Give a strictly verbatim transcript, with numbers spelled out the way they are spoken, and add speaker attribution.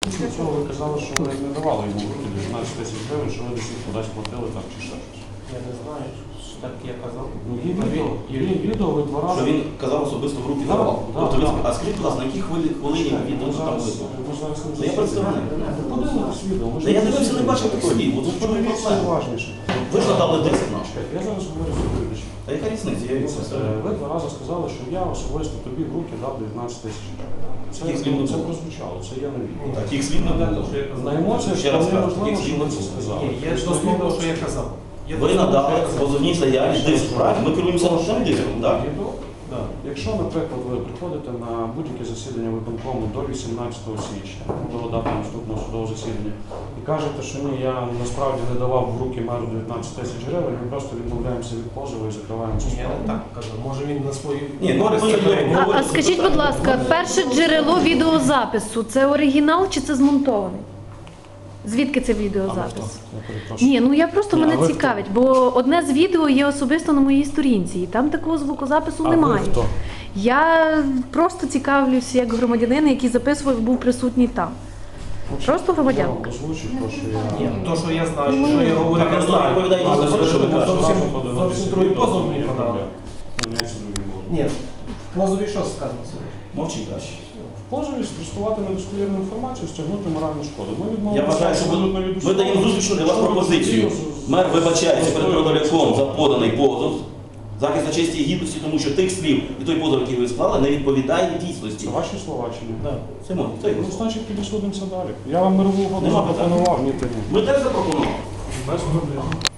Speaker 1: Після цього ви казали, що ви не давали йому в руки дев'ятнадцять тисяч гривень, що ви десь їх кудись платили там чи ще щось.
Speaker 2: Я не знаю, що так я казав.
Speaker 1: Ну, є відео, є відео, ви два рази...
Speaker 3: Що він казав особисто в руки
Speaker 1: Да,
Speaker 3: давав.
Speaker 1: да,
Speaker 3: Тобто, ви-
Speaker 1: да.
Speaker 3: а скажіть, будь ласка, на якій хвилі хвилині
Speaker 1: Чекайте,
Speaker 3: відео
Speaker 1: ми
Speaker 3: там
Speaker 1: зараз-
Speaker 3: вийшло?
Speaker 1: ми зараз не
Speaker 3: Та я представник.
Speaker 1: Подивитесь відео. ми ж
Speaker 3: Та я
Speaker 1: не
Speaker 3: дивився, не
Speaker 1: засідання.
Speaker 3: бачив такого відео.
Speaker 1: Ви
Speaker 3: От в чому
Speaker 1: подивіться
Speaker 3: проблема?
Speaker 1: уважніше.
Speaker 3: Ви ж надали десять наш.
Speaker 1: Я зараз говорю з вибачем.
Speaker 3: Та яка різниця? Я від
Speaker 1: Е, Ви два рази сказали, що я особисто тобі в руки дав дев'ятнадцять тисяч гривень. Це,
Speaker 3: Таких слів не
Speaker 1: це
Speaker 3: було.
Speaker 1: прозвучало, це я не відео.
Speaker 3: Таких слів не було.
Speaker 1: На емоціях
Speaker 3: Ще раз
Speaker 1: вполне
Speaker 3: кажу,
Speaker 1: можливо,
Speaker 3: таких
Speaker 1: що
Speaker 3: слів
Speaker 1: ви
Speaker 3: не
Speaker 1: це
Speaker 3: було.
Speaker 1: сказали.
Speaker 2: Ні, я
Speaker 1: Тобто
Speaker 2: дословно,
Speaker 1: відео-
Speaker 2: що я казав. Я
Speaker 3: Ви
Speaker 2: дословно,
Speaker 3: надали
Speaker 2: що я казав.
Speaker 3: позовній заяві диск, правильно? Ми керуємося на цьому диском, так?
Speaker 1: Відео.
Speaker 2: Да.
Speaker 1: Якщо, наприклад, ви приходите на будь-яке засідання виконкому до вісімнадцятого січня, до дати наступного судового засідання, і кажете, що ні, я насправді не давав в руки меру дев'ятнадцять тисяч гривень, ми просто відмовляємося від позову і закриваємо цю
Speaker 2: Ні, я
Speaker 1: справу.
Speaker 2: не так казав. Може він на свою
Speaker 3: Ні, ну,
Speaker 2: користь
Speaker 3: ми
Speaker 2: це
Speaker 3: говоримо.
Speaker 2: прийняв.
Speaker 4: А, а скажіть, будь ласка, перше джерело відеозапису це оригінал чи це змонтований? Звідки це
Speaker 1: А ви
Speaker 4: відеозапис?
Speaker 1: хто? Я перепрошую.
Speaker 4: Ні, ну я просто
Speaker 1: Ні, а
Speaker 4: мене
Speaker 1: ви хто?
Speaker 4: цікавить, бо одне з відео є особисто на моїй сторінці, і там такого звукозапису
Speaker 1: А ви
Speaker 4: немає.
Speaker 1: хто?
Speaker 4: Я просто цікавлюся як громадянин, який записував, був присутній там. Просто громадянка.
Speaker 1: Я озвучу те, що я...
Speaker 2: Ні, то, що я знаю, що я говорю,
Speaker 3: Так,
Speaker 2: я
Speaker 3: ну,
Speaker 2: знаю.
Speaker 3: відповідайте
Speaker 2: Але
Speaker 3: за те, що ви кажете.
Speaker 2: зовсім,
Speaker 1: Зразу
Speaker 2: зовсім другий позов мені
Speaker 1: Ні,
Speaker 2: подали.
Speaker 1: ні, ні, це другий позов.
Speaker 2: Ні, в позові що сказано сьогодні?
Speaker 3: Мовчіть краще.
Speaker 1: В позові спростувати недостовірну інформацію, стягнути моральну шкоду. Ми
Speaker 3: Я
Speaker 1: відмовилися
Speaker 3: вважаю, що
Speaker 1: абсолютно від
Speaker 3: ми, ми
Speaker 1: усього.
Speaker 3: даємо зустрічну для вас
Speaker 1: Що ви
Speaker 3: пропозицію.
Speaker 1: потрібно з-
Speaker 3: Мер вибачається перед
Speaker 1: з-
Speaker 3: продавцом за поданий позов, захист на честі і гідності, тому що тих слів і той позов, який ви склали, не відповідає дійсності.
Speaker 1: Це ваші слова чи ні?
Speaker 2: Да.
Speaker 3: Це мої, це його
Speaker 1: Ну,
Speaker 3: слова.
Speaker 1: значить, тоді судимося далі. Я вам мирову угоду
Speaker 3: Нема
Speaker 1: запропонував, ні ти ні.
Speaker 3: Ми теж запропонували.
Speaker 1: Без проблем.